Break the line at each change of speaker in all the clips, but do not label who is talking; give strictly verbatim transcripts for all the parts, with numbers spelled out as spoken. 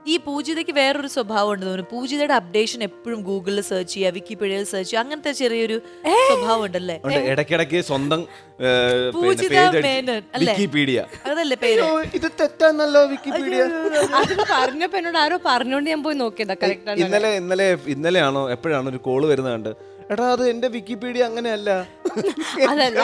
ഈ പൂജിതയ്ക്ക് വേറൊരു സ്വഭാവം ഉണ്ട് തോന്നുന്നു. പൂജിതയുടെ അപ്ഡേഷൻ എപ്പോഴും ഗൂഗിളിൽ സെർച്ച് ചെയ്യുക, വിക്കിപീഡിയയിൽ സെർച്ച് ചെയ്യുക, അങ്ങനത്തെ ചെറിയൊരു സ്വഭാവം ഉണ്ടല്ലേ?
ഇടയ്ക്കിടയ്ക്ക് സ്വന്തം
പൂജിത മേനോൻ അല്ലേ?
വിക്കിപീഡിയ
അതല്ലേ പേര്?
ഇത് തെറ്റാന്നല്ലോ വിക്കിപീഡിയ.
അത് പറഞ്ഞപ്പോ എന്നോട് ആരോ പറഞ്ഞോണ്ട് ഞാൻ പോയി നോക്കിയതാ. കറക്റ്റ് ആണ്.
ഇന്നലെ ഇന്നലെ ഇന്നലെയാണോ എപ്പോഴാണോ ഒരു കോള് വരുന്നത് കണ്ട്, എടാ അത് എന്റെ വിക്കിപീഡിയ അങ്ങനെയല്ല.
അതല്ല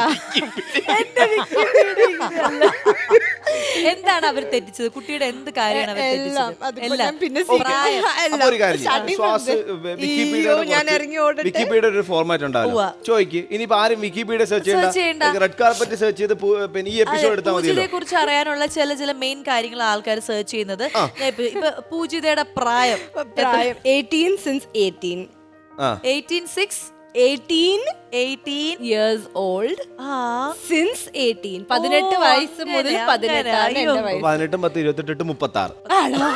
എന്താണ് അവർ തെറ്റിച്ചത്? കുട്ടിയുടെ എന്ത് കാര്യമാണ് അവർ തെറ്റിച്ചത്? എല്ലാം.
പിന്നെ
അപ്പൊ ഒരു കാര്യം ചെയ്യ്. ശ്വാസ് വിക്കിപീഡിയയുടെ വിക്കിപീഡിയ ഒരു ഫോർമാറ്റ് ഉണ്ടാവില്ല. ചോദിക്ക് ഇനിയിപ്പോ ആരും വിക്കിപീഡിയ സെർച്ച് ചെയ്യണ്ട, റെഡ് കാർപ്പറ്റ് സെർച്ച് ചെയ്ത് പിന്നെ ഈ എപ്പിസോഡ് എടുത്താൽ മതി.
പൂജിതയെ കുറിച്ച് അറിയാനുള്ള ചില ചില മെയിൻ കാര്യങ്ങൾ ആൾക്കാർ സെർച്ച് ചെയ്യുന്നത്. ഇപ്പൊ പൂജിതയുടെ പ്രായം
പ്രായം eighteen since eighteen
eighteen six
eighteen
eighteen
years old since eighteen. പതിനെട്ട് വയസ്സ് മുതൽ പതിനെട്ടാണ് എന്റെ വയസ്സ്.
പതിനെട്ടും പത്ത് ഇരുപത്തെട്ട് മുപ്പത്തി ആറ്
ആണോ?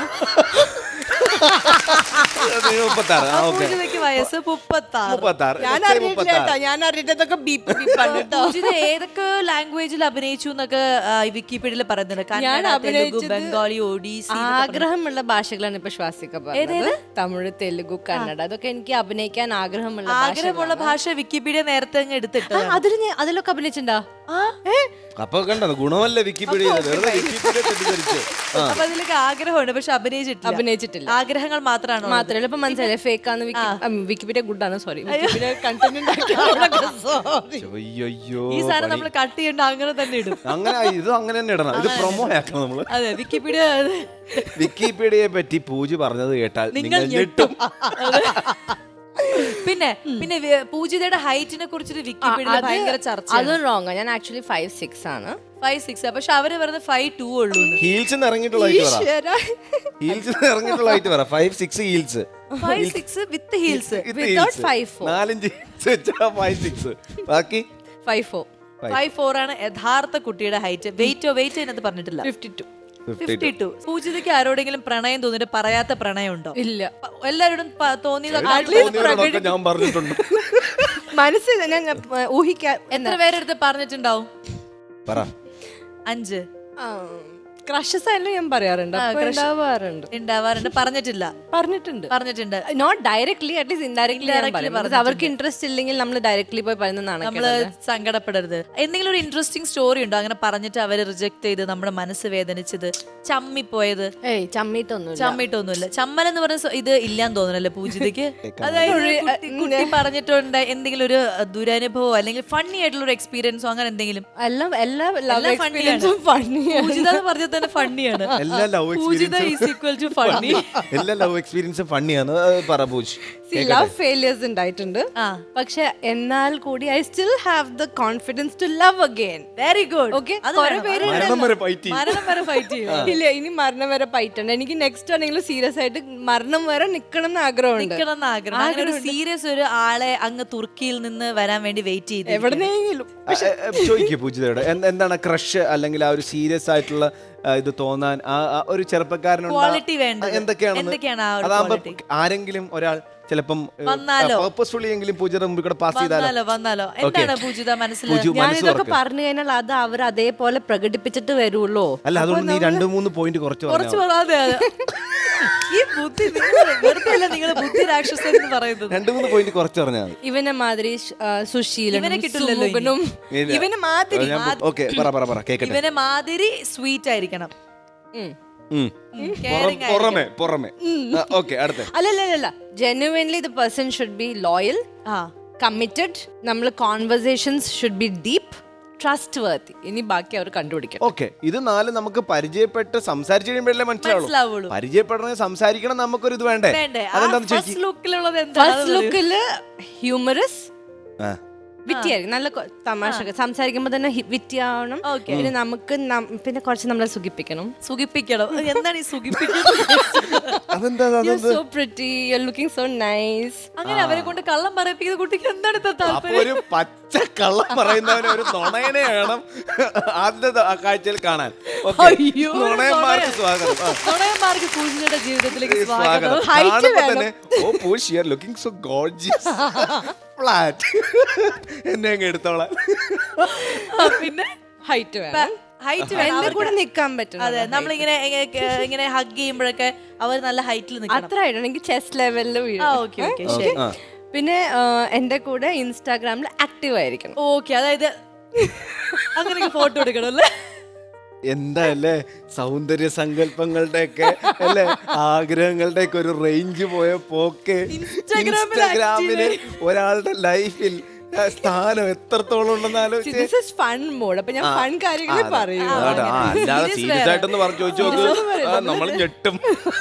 പൂജിതയ്ക്ക് വയസ്സ് മുപ്പത്താറ്.
ഞാൻ അറിഞ്ഞിട്ടില്ല, ഞാൻ അറിഞ്ഞിട്ടൊക്കെ ബീപ്പ് ബീപ്പാണ് കേട്ടോ.
പൂജിത ഏതൊക്കെ ലാംഗ്വേജിൽ അഭിനയിച്ചു എന്നൊക്കെ വിക്കിപീഡിയയിൽ പറയുന്നുണ്ട്.
ഞാൻ
കന്നഡ, തെലുഗു,
അഭിനയിച്ചത്
ബംഗാളി, ഒഡീസി.
ആഗ്രഹമുള്ള ഭാഷകളാണ് ഇപ്പൊ ശ്വാസിക്ക പറഞ്ഞത്. തമിഴ്, തെലുഗു, കന്നഡ, അതൊക്കെ എനിക്ക് അഭിനയിക്കാൻ ആഗ്രഹമുള്ള
ആഗ്രഹമുള്ള ഭാഷ വിക്കിപീഡിയ നേരത്തെ അങ്ങ് എടുത്തിട്ട്
അതിൽ അതിലൊക്കെ അഭിനയിച്ചിട്ടുണ്ടോ?
അപ്പൊ കണ്ടോ ഗുണമല്ല വിക്കിപീഡിയ.
അപ്പൊ അതിലൊക്കെ ആഗ്രഹമുണ്ട്, പക്ഷെ അഭിനയിച്ചിട്ടില്ല.
അഭിനയിച്ചിട്ടില്ല.
ആഗ്രഹങ്ങൾ മാത്രമാണ്.
മാത്രല്ല ഇപ്പൊ മനസ്സിലായി ഫേക്ക് ആണ്. വിക്കിപീഡിയ ഗുഡ് ആണ്. സോറി, വിക്കിപീഡിയ കണ്ടന്റ്
ഈ സാധനം നമ്മൾ കട്ട് ചെയ്യണ്ട, അങ്ങനെ തന്നെ ഇടും.
അങ്ങനെ ഇത് അങ്ങനെ തന്നെ ഇടണം. ഇത് പ്രൊമോ ആക്കണം നമ്മള്.
അതെ, വിക്കിപീഡിയ.
വിക്കിപീഡിയയെ പറ്റി പൂജ പറഞ്ഞത് കേട്ടാൽ നിങ്ങൾ ഞെട്ടും.
പിന്നെ പിന്നെ പൂജിതയുടെ ഹൈറ്റിനെ കുറിച്ചിട്ട് വിക്കിപീഡിയ ഭയങ്കര ചർച്ച.
അതും റോങ്. ഞാൻ ആക്ച്വലി ഫൈവ് സിക്സ് ആണ്.
ഫൈവ് സിക്സ് പക്ഷെ അവര് പറയുന്നത് ഫൈവ് ടു ഉള്ളൂ.
ഹീൽസ് ഇറങ്ങിയിട്ടുള്ള ഹീൽസ് ഇറങ്ങിയിട്ടുള്ള ഹൈറ്റ് പറ. Five six heels
five six with heels
നാലഞ്ച് ഫൈവ് സിക്സ് ബാക്കി
ഫൈവ് ഫോർ
ഫൈവ് ഫോർ ആണ് യഥാർത്ഥ കുട്ടിയുടെ ഹൈറ്റ്. വെയിറ്റോ വെയിറ്റ് അതിനകത്ത് പറഞ്ഞിട്ടില്ല.
Fifty two
fifty two. പൂജിതയ്ക്ക് ആരോടെങ്കിലും പ്രണയം തോന്നിട്ട് പറയാത്ത പ്രണയം ഉണ്ടോ?
ഇല്ല.
എല്ലാവരോടും
തോന്നിയതൊക്കെ ഞാൻ പറഞ്ഞിട്ടുണ്ട്.
മനസ്സിൽ ഞാൻ ഊഹിക്കാൻ.
എത്ര പേരെടുത്ത് പറഞ്ഞിട്ടുണ്ടാവും?
പറ.
അഞ്ച്.
ക്രഷസ് ആയാലും ഞാൻ പറയാറുണ്ട്, ഉണ്ടാവാറുണ്ട്
ഉണ്ടാവാറുണ്ട് പറഞ്ഞിട്ടില്ല.
പറഞ്ഞിട്ടുണ്ട്
പറഞ്ഞിട്ടുണ്ട്
നോട്ട് ഡയറക്ട്ലി, അറ്റ്ലീസ്റ്റ് ഇൻഡയറക്ട്ലി. അവർക്ക് ഇൻട്രസ്റ്റ് ഇല്ലെങ്കിൽ നമ്മൾ ഡയറക്ട്ലി പോയി പറയുന്നതാണ്.
നമ്മള് സങ്കടപ്പെടരുത്. എന്തെങ്കിലും ഒരു ഇൻട്രസ്റ്റിംഗ് സ്റ്റോറി ഉണ്ടോ അങ്ങനെ പറഞ്ഞിട്ട് അവര് റിജക്ട് ചെയ്ത് നമ്മുടെ മനസ്സ് വേദനിച്ചത്, ചമ്മിപ്പോയത്?
ഏയ് ചമ്മിട്ടൊന്നും
ചമ്മിട്ടൊന്നുമില്ല. ചമ്മൽ എന്ന് പറഞ്ഞ ഇത് ഇല്ലാന്ന് തോന്നുന്നല്ലേ പൂജിതയ്ക്ക്? അതായത് കുട്ടി പറഞ്ഞിട്ടുണ്ട് എന്തെങ്കിലും ഒരു ദുരനുഭവം അല്ലെങ്കിൽ ഫണ്ണി ആയിട്ടുള്ള ഒരു എക്സ്പീരിയൻസോ അങ്ങനെ എന്തെങ്കിലും?
എല്ലാം എല്ലാ ലവ് എക്സ്പീരിയൻസും ഫണ്ണിയാണ്.
പൂജിത എന്ന് പറഞ്ഞാൽ തന്നെ ഫണ്ണിയാണ്.
എല്ലാ ലവ് എല്ലാ ലവ് എക്സ്പീരിയൻസും ഫണ്ണിയാണ്. പറ പൂജ്.
ലവ് ഫെയിലിയേഴ്സ് ഉണ്ടായിട്ടുണ്ട്, പക്ഷെ എന്നാൽ കൂടി I still have the confidence to love again.
Very good.
Okay, ഇല്ല ഇനി മരണം വരെ ഫൈറ്റ്. എനിക്ക് നെക്സ്റ്റ് ആണെങ്കിലും സീരിയസ് ആയിട്ട് മരണം വരെ നിക്കണം എന്ന് ആഗ്രഹമുണ്ട്.
ആഗ്രഹം സീരിയസ് ഒരു ആളെ അങ്ങ് തുർക്കിയിൽ നിന്ന് വരാൻ വേണ്ടി വെയിറ്റ് ചെയ്ത്
എവിടെന്നെങ്കിലും
ചോദിക്കൂ പൂജിതയോട്, എന്താണ് ക്രഷ് അല്ലെങ്കിൽ ആ ഒരു സീരിയസ് ആയിട്ടുള്ള ഇത് തോന്നാൻ ഒരു ചെറുപ്പക്കാരനുണ്ട് എന്തൊക്കെയാണ്? അതാകുമ്പോ ആരെങ്കിലും ഒരാൾ ചിലപ്പം പർപ്പസ്ഫുള്ളി എങ്കിലും പൂജയുടെ മുമ്പിൽ കൂടെ പാസ് ചെയ്താലോ
വന്നാലോ എന്താണ് പൂജിത മനസ്സിലായി?
ഞാൻ ഇതൊക്കെ പറഞ്ഞു കഴിഞ്ഞാൽ അത് അവർ അതേപോലെ പ്രകടിപ്പിച്ചിട്ട് വരുള്ളൂ.
അല്ല അതുകൊണ്ട് നീ രണ്ടു മൂന്ന് പോയിന്റ് കുറച്ച്
ഈ ബുദ്ധി നിങ്ങള് ബുദ്ധി രാക്ഷസൻ എന്ന് പറയുന്നത്
രണ്ടു മൂന്ന് പോയിന്റ് കുറച്ച് പറഞ്ഞാൽ മതി.
ഇവനെ മാതിരി സുശീലനും ഇവനെ മാതിരി
ഇവനെ മാതിരി സ്വീറ്റ് ആയിരിക്കണം.
അല്ലല്ല, genuinely the person should be loyal, committed. നമ്മൾ conversations should be deep, trustworthy. ഇനി ബാക്കി അവർ കണ്ടുപിടിക്കണം.
ഓക്കെ, ഇത് നാല് നമുക്ക് പരിചയപ്പെട്ട് സംസാരിച്ചു കഴിയുമ്പോഴല്ലേ മനസ്സിലാവുള്ളൂ. പരിചയപ്പെടണേ സംസാരിക്കണം, നമുക്കൊരു ഇത് വേണ്ടേ?
ഫസ്റ്റ്
ലുക്കില് ഹ്യൂമറസ്, വിറ്റിയായിരിക്കും, നല്ല തമാശ സംസാരിക്കുമ്പോ തന്നെ വിറ്റിയാവണം. പിന്നെ നമുക്ക് പിന്നെ കുറച്ച് നമ്മളെ സുഖിപ്പിക്കണം.
സുഖിപ്പിക്കണം എന്താണ് ഈ സുഖിപ്പിക്കുന്നത്?
So pretty, you are looking so nice.
അങ്ങനെ അവരെ കൊണ്ട് കള്ളം പറയിപ്പിക്കുന്ന കുട്ടിക്ക് എന്താണ് താല്പര്യം?
ഒരു പച്ച കള്ളം പറയുന്നവനെ ഒരു നുണയനെ വേണം ആദ്യത്തെ കാഴ്ചയിൽ കാണാൻ. നുണയന്മാർക്ക് സ്വാഗതം.
നുണയന്മാർക്ക് പൂജിതയുടെ ജീവിതത്തിലേക്ക് സ്വാഗതം.
Oh Pooj, you are looking so gorgeous. Flat എന്നെ അങ്ങ് എടുത്തോളാം.
പിന്നെ
ഹൈറ്റ് വേണം.
ഹൈറ്റ്
എന്റെ കൂടെ നിക്കാൻ പറ്റും.
അതെ നമ്മളിങ്ങനെ ഇങ്ങനെ- ഇങ്ങനെ ഹഗ് ചെയ്യുമ്പോഴൊക്കെ അവർ നല്ല ഹൈറ്റിൽ നിൽക്കണം.
അത്ര ആയിട്ട് എനിക്ക് ചെസ്റ്റ് ലെവലിൽ വീഴും.
ആ ഓക്കെ ഓക്കെ ശരി.
പിന്നെ എന്റെ കൂടെ ഇൻസ്റ്റാഗ്രാമിൽ ആക്റ്റീവ് ആയിരിക്കണം.
ഓക്കെ അതായത് അങ്ങനെ ഫോട്ടോ എടുക്കണം അല്ലേ?
എന്താ അല്ലേ സൗന്ദര്യ സങ്കല്പങ്ങളുടെ ഒക്കെ അല്ലെ ആഗ്രഹങ്ങളുടെ ഒക്കെ ഒരു റേഞ്ച് പോയ പോക്ക്. ഇൻസ്റ്റാഗ്രാമിന് ഒരാളുടെ ലൈഫിൽ സ്ഥാനം എത്രത്തോളം ഉണ്ടെന്ന് ആലോചിച്ച്
ഫൺ മോഡ്. അപ്പൊ ഞാൻ ഫൺ കാര്യങ്ങൾ പറയൂ.
അല്ലാതെ സീരിയസ് ആയിട്ടൊന്ന് പറഞ്ഞു ചോദിച്ചു നോക്ക്, നമ്മൾ ഞെട്ടും.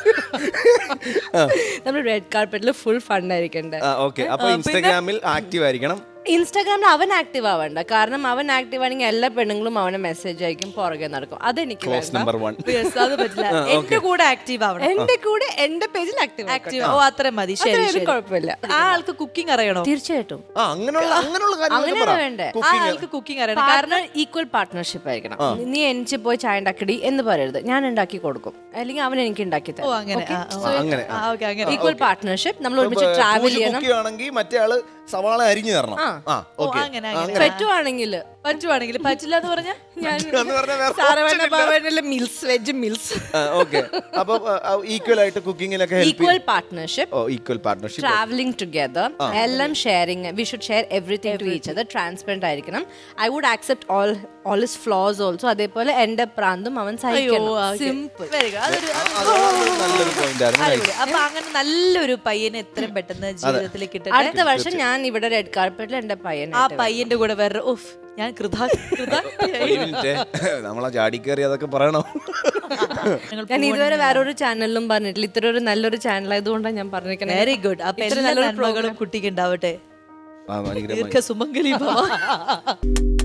നമ്മൾ റെഡ് കാർപ്പറ്റിൽ ഫുൾ ഫൺ ആയിരിക്കണ്ടേ.
ഓക്കെ, അപ്പൊ ഇൻസ്റ്റാഗ്രാമിൽ ആക്റ്റീവ് ആയിരിക്കണം.
ഇൻസ്റ്റാഗ്രാമിൽ അവൻ ആക്റ്റീവ് ആവണ്ട, കാരണം അവൻ ആക്റ്റീവ് ആണെങ്കിൽ എല്ലാ പെണ്ണുങ്ങളും അവനെ മെസ്സേജ് അയക്കും, പുറകെ നടക്കും. അതെനിക്ക് വേണ്ട.
Number one.
അത് പറ്റില്ല. എന്റെ കൂടെ ആക്റ്റീവ് ആവണം.
എന്റെ കൂടെ എന്റെ പേജിൽ ആക്റ്റീവ്
ആക്റ്റീവ് ഓ അത്ര മതി. ശരി ശരി.
കുഴപ്പമില്ല.
ആ ആൾക്ക് കുക്കിംഗ് അറിയണോ?
തീർച്ചയായിട്ടും
ആ, അങ്ങനെയുള്ള അങ്ങനെയുള്ള കാര്യങ്ങളൊക്കെ
അങ്ങനെയാണ്
പറ.
വേണ്ടേ.
ആ ആൾക്ക് കുക്കിംഗ് അറിയണം.
കാരണം ഈക്വൽ പാർട്ട്ണർഷിപ്പ് ആയിരിക്കണം. നീ എനിക്ക് പോയി ചായ ഉണ്ടാക്കടി എന്ന് പറയരുത്, ഞാൻ ഉണ്ടാക്കി കൊടുക്കും, അല്ലെങ്കിൽ അവൻ എനിക്ക് ഉണ്ടാക്കി
ഓ
തരും.
അങ്ങനെ ആ, ഓ,
അങ്ങനെ
ആ, ഓക്കെ അങ്ങനെ.
Equal partnership. നമ്മൾ ഒരുമിച്ച് ട്രാവൽ ചെയ്യണം.
ആണെങ്കിൽ മറ്റേ ആള് സവാള അരിഞ്ഞു തരണം. ആ,
ഓ
ഓക്കെ.
അങ്ങനെ അങ്ങനെ.
പറ്റുവാണെങ്കിൽ
പറ്റുവാണെങ്കിൽ പറ്റില്ല എന്ന് പറഞ്ഞാൽ
ഞാൻ
എന്ന് പറഞ്ഞാൽ വേറെ
സാരവണ്ണ ഭവനിലെ മിൽസ് വെജ് മിൽസ്.
ഓക്കെ, അപ്പൊ ഈക്വൽ ആയിട്ട് കുക്കിങ്ങിലൊക്കെ help
equal partnership,
oh equal partnership,
travelling together, എല്ലാം sharing. We should share everything to each other. Transparent ആയിരിക്കണം. I would accept all all his flaws also. അതേപോലെ എന്റെ പ്രാന്തും അവൻ സഹിക്കണം. സിമ്പിൾ.
Very good. അതൊരു
നല്ലൊരു പോയിന്റ് ആയിരുന്നു.
അടിപൊളി. അപ്പൊ അങ്ങനെ നല്ലൊരു പയ്യനെ എത്രയും പെട്ടെന്ന് ജീവിതത്തിലേക്ക് കിട്ടട്ടെ.
അടുത്ത വർഷം ഞാൻ ഇവിടെ റെഡ് കാർപ്പറ്റിൽ എന്റെ പയ്യൻ
ആ പയ്യന്റെ കൂടെ വേറെ ഉഫ് ഞാൻ കൃതാ
ഒരു മിനിറ്റ്, നമ്മളാ ചാടി കയറി അതൊക്കെ പറയണോ?
ഞാൻ ഇതുവരെ വേറൊരു ചാനലിലും പറഞ്ഞിട്ടില്ല. ഇത്ര ഒരു നല്ലൊരു ചാനൽ ആയതുകൊണ്ടാണ് ഞാൻ പറഞ്ഞിരിക്കുന്നത്.
Very good. അപ്പൊ എല്ലാ നന്മകളും കുട്ടിക്ക് ഉണ്ടാവട്ടെ.
ആ, ഭയങ്കരമായി.
ദീർഘ സുമംഗലി ഭവ.